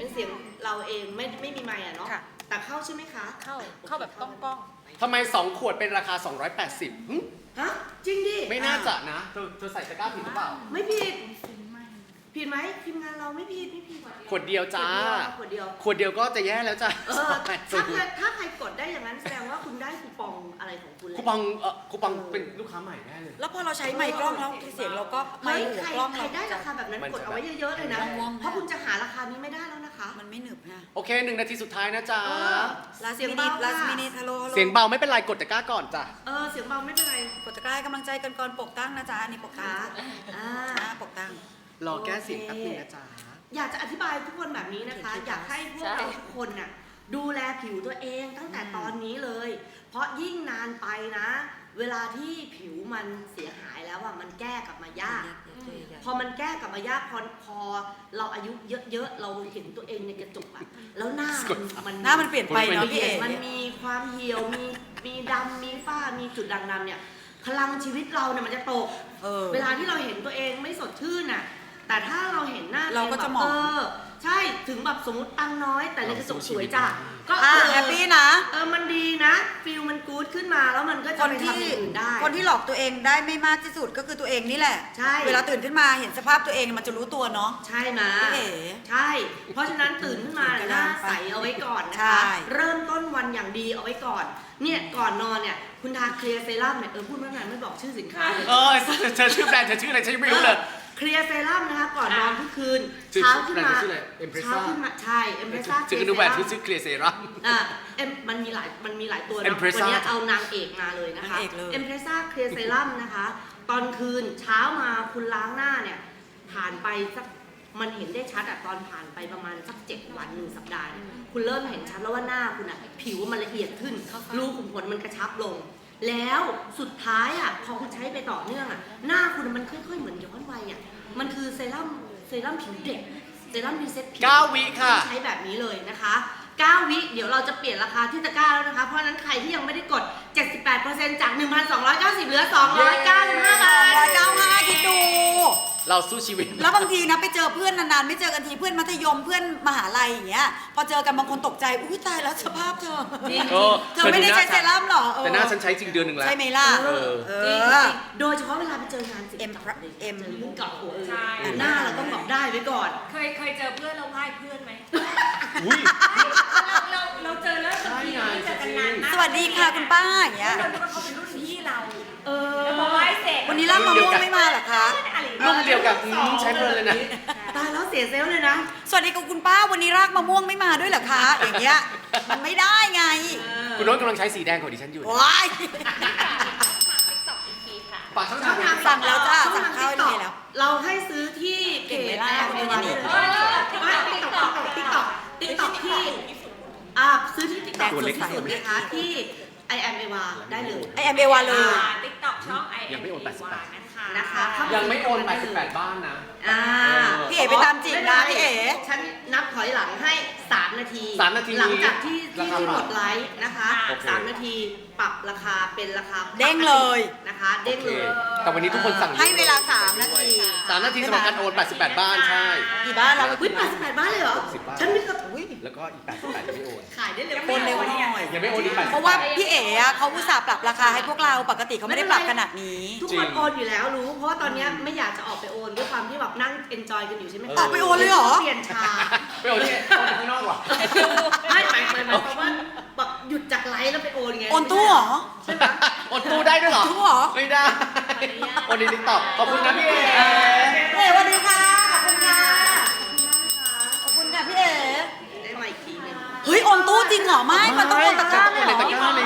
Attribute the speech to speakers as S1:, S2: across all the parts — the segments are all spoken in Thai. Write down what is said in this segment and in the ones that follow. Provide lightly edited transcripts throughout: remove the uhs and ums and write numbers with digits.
S1: เป็นเสียงเราเองไม่มีไมค์อะเนาะแต่เข้าใช่ไหมคะ
S2: เข้าแบบต้องกล้อง
S3: ทำไม2 ขวดเป็นราคา 280
S1: ฮะจริงดิ
S3: ไม่น่าจะนะเธอใส่ตะกร้าผิดหรือเปล่า
S1: ไม่ผิดผิดไหมทีมงานเราไม่ผิด
S3: ขวดเดียวจ้า
S1: ขวดเดี
S3: ยวก็จะแย่แล้วจ้า
S1: ถ้าใครกดได้อย่างนั้นแสดงว่าคุณได้คูปองอะไรของคุณ
S3: คูปองเป็นลูกค้าใหม่แน่เลย
S2: แล้วพอเราใช้ไมค์กล้องแล้วเสียงเราก็ไมค์หัวกล้อง
S1: ใครได้ราคาแบบนั้นกดเอาไว้เยอะๆเลยนะเพราะคุณจะหาราคานี้ไม่ได้แล้วนะคะ
S2: มันไม่หนึบนะ
S3: โอเค1 นาทีสุดท้ายนะจ๊ะ
S2: เสียงเบาฮัลโหล
S3: เสียงเบาไม่เป็นไรกดตะกร้าก่อนจ้ะ
S1: เสียงเบาไม่เป็นไร
S2: กดตะกร้าให้กำลังใจกันก่อนปกตั้งนะจ๊ะอันนี้ปกตั้งปกตั้ง
S3: รอแก้เสียงแป๊บนึงนะจ๊ะ
S1: อยากจะอธิบายทุกคนแบบนี้นะคะอยากให้พวกเราทุกคนน่ะดูแลผิวตัวเองตั้งแต่ตอนนี้เลยเพราะยิ่งนานไปนะเวลาที่ผิวมันเสียหายแล้วอ่ะมันแก้กลับมายากพอมันแก้กลับมายากพอเราอายุเยอะๆเราเห็นตัวเองในกระจกอะแล้วหน้า
S2: มันเปลี่ยนไปเนาะพี่เอ๋
S1: มันมีความเหี่ยวมีดำมีฝ้ามีจุดด่างดำเนี่ยพลังชีวิตเราเนี่ยมันจะตกเวลาที่เราเห็นตัวเองไม่สดชื่นน่ะแต่ถ้าเราเห็นหน้า
S2: เราก็จะมอง
S1: ใช่ถึงแบบสมมติตังน้อยแต่ในกระจกสวยจ้ะก็
S2: แฮปปี้นะ
S1: มันดีนะฟิลมันกู๊ดขึ้นมาแล้วมันก็จะไปทำอย่างอื่นได้
S2: คนที่หลอกตัวเองได้ไม่มากที่สุดก็คือตัวเองนี่แหละ
S1: ใช่
S2: เวลาตื่นขึ้นมาเห็นสภาพตัวเองมันจะรู้ตัวเนาะ
S1: ใช่นะใช่เพราะฉะนั้นตื่นขึ้นมาหน้าใสเอาไว้ก่อนนะคะเริ่มต้นวันอย่างดีเอาไว้ก่อนเนี่ยก่อนนอนเนี่ยคุณทาเคลียร์เซรั่มเนี่ยพูดเมื่อไหร่ไม่บอกชื่อสินค้าเลย
S3: เธอชื่อแบรนด์เธอชื่ออะไรฉันไม่รู้เลย
S1: เคลียร์เซรั่มนะคะก่อนนอนทุกคืนเช้าขึ้นมาใช่เอ็มเพรสซ่า
S3: ชื่อดูแบรนด์ที่ชื่อเคลียร์เซรั่ม
S1: มันมีหลายตัวนะวันนี้เอานางเอกมาเลยนะคะเอ็มเพรสซ่าเคลียร์เซรั่มนะคะตอนคืนเช้ามาคุณล้างหน้าเนี่ยผ่านไปสักมันเห็นได้ชัดอะตอนผ่านไปประมาณสัก7 วัน1 สัปดาห์คุณเริ่มเห็นชัดแล้วว่าหน้าคุณอะผิวมันละเอียดขึ้นรูขุมขนมันกระชับลงแล้วสุดท้ายอ่ะพอคุณใช้ไปต่อเนื่องอ่ะหน้าคุณมันค่อยๆเหมือนย้อนวัยอ่ะมันคือเซรั่มผิวเด็กเซรั่มรีเซ็ตผิว
S3: 9 วิค่ะ
S1: ใช้แบบนี้เลยนะคะ9 วิเดี๋ยวเราจะเปลี่ยนราคาที่ตะกร้าแล้วนะคะเพราะฉะนั้นใครที่ยังไม่ได้กด 78% จาก 1,290 เหลือ 295 บาท
S2: 295คิดดู
S3: เราสู้ชีวิต
S2: แล้วบางทีนะไปเจอเพื่อนนานๆไม่เจอกันทีเพื่อนมัธยมเพื่อนมหาลัยอย่างเงี้ยพอเจอกันบางคนตกใจอุ้ยตายแล้วสภาพเธอเธอไม่ได้ใช้เซรั่มหรอ
S3: แต่หน้าฉันใช้จริงเดือนนึงแล้ว
S2: ใช่ไหมล่ะ
S1: โดยเฉพาะเวลาไปเจองาน
S2: เอ็ม
S1: เกาะหัวหน้าเราต้องบอกได้ไว้ก่อน
S4: เคยเจอเพื่อนเราไหว้เพื่อนไหมเราเจอแล้วบางทีเราเจอกันนานมาก
S2: สวัสดีค่ะคุณป้าอย่างเงี้ย
S4: เราคิดว่าเขาเป็นรุ่นพี่เราพอไหว้เสร็จ
S2: วันนี้ร่างมะม่วงไม่มาหรอคะ
S3: รุ่นเดียวกับใช้เพลินเลยนะ
S1: ตายแล้วเสียเซลล์เลยนะ
S2: สวัสดีคุณป้าวันนี้รากมะม่วงไม่มาด้วยเหรอคะอย่างเงี้ยมันไม่ได้ไง
S3: คุณโน้ตกำลังใช้สีแดงของดิฉันอยู่
S2: ว้าย
S3: ฝากช่องทาง
S2: สั่งแล้วจ้าสั่งข้าวได้แล้ว
S1: เราให้ซื้อที่เก่งไม่ได้คนนี้นี่ติ๊กต็อกที่ซื้อที่ติ๊กต็อกสุดที่สุดนะคะที่I am Eva ได้เลย
S2: I am Eva เลย
S4: TikTok ช่อง I am
S3: ยังไม่โอน
S4: 88
S1: นะคะ
S3: ยังไม่โอน88บ้านนะ
S2: พี่เอ๋ไปตามจีบนะพี่เอ๋
S1: ฉันนับถอยหลังให้3 นาทีหลังจากที่กดไลค์นะคะ3 นาทีปรับราคาเป็นราคา
S2: เด้งเลย
S1: นะคะเด้งเลย
S3: แต่วันนี้ทุกคนสั่ง
S2: ให้เวลา3 นาที
S3: 3 นาทีสำหรับการโอน88บ้านใช่
S2: กี่บ้านเรา
S1: 88บ้านเลยเหรอฉันนึกว่า
S3: แล้วก็อีก88ยังไม่โอน
S1: ขายได้เร็ว
S2: โอนเร็วหน่อย
S3: ยังไม่โอนอีก88
S2: เพราะว่าพี่เอ๋เขาอุตส่าห์ปรับราคาให้พวกเราปกติเขาไม่ได้ปรับขนาดนี้
S1: ทุกคนโอนอยู่แล้วรู้เพราะว่าตอนนี้ไม่อยากจะออกไปโอนด้วยความที่แบบนั่งเอนจอยกันอยู่ใช่ไหม
S2: ออกไปโอนเลยเหรอ
S1: เปลี่ยนชา
S3: ไปโอนที่ข้างนอกว่ะ
S1: ไม่หมายความว่าแบบหยุดจากไลฟ์แล้วไปโอนไง
S2: โอนตู้เหรอ
S1: ใช่ไหม
S3: โอนตู้ได้ด้วยเหรอ
S2: ตู้เหรอ
S3: ไม่ได้โอนในติ๊กต็อกขอบคุณนะพี่เอ๋
S2: สวัสดีค่ะขอบคุณค่ะขอบคุณค่ะพี่เอ๋
S1: ได้มาอีกทีนึง
S2: เฮ้ยโอนตู้จริงเหรอไม่มันต้องโอนตะกร้าเลยเหรอ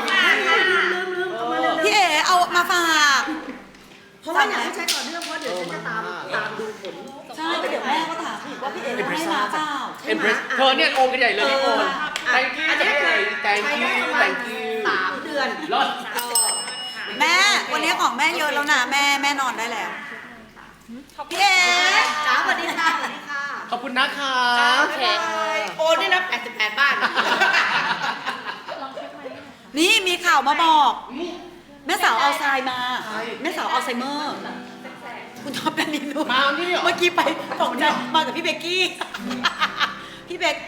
S2: พี่เอ๋เอามาฝาก
S1: เพราะว่าอยากให้ใช้ต่อเนื่องเพราะเดี๋ยวฉันจะตามดูผล
S2: ใช่เดี๋ยวแม่ก็ถามอีกว่าพี่เอ๋ให้มาเปล่า
S3: เธอเนี่ยโอนกันใหญ่เลยพี่โอน thank you thank you
S1: 3 เดือน
S3: รอด
S2: แม่วันนี้ของแม่เยอะแล้วนะแม่นอนได้แล้วพี่เอ๋
S1: จ้าสวัสดีค่ะสวัสดีค่ะ
S3: ขอบคุณนะคะ
S1: โอนด้วยนะ88บ้าน
S2: นี่มีข่าวมาบอกแม่สาวอัลไซเมอร์แม่สาวอัลไซเมอร์คุณท็อปแดนนินู
S3: มานี่เหรอ
S2: เมื่อกี้ไปตกใจมากับพี่เบกกี้พี่เบก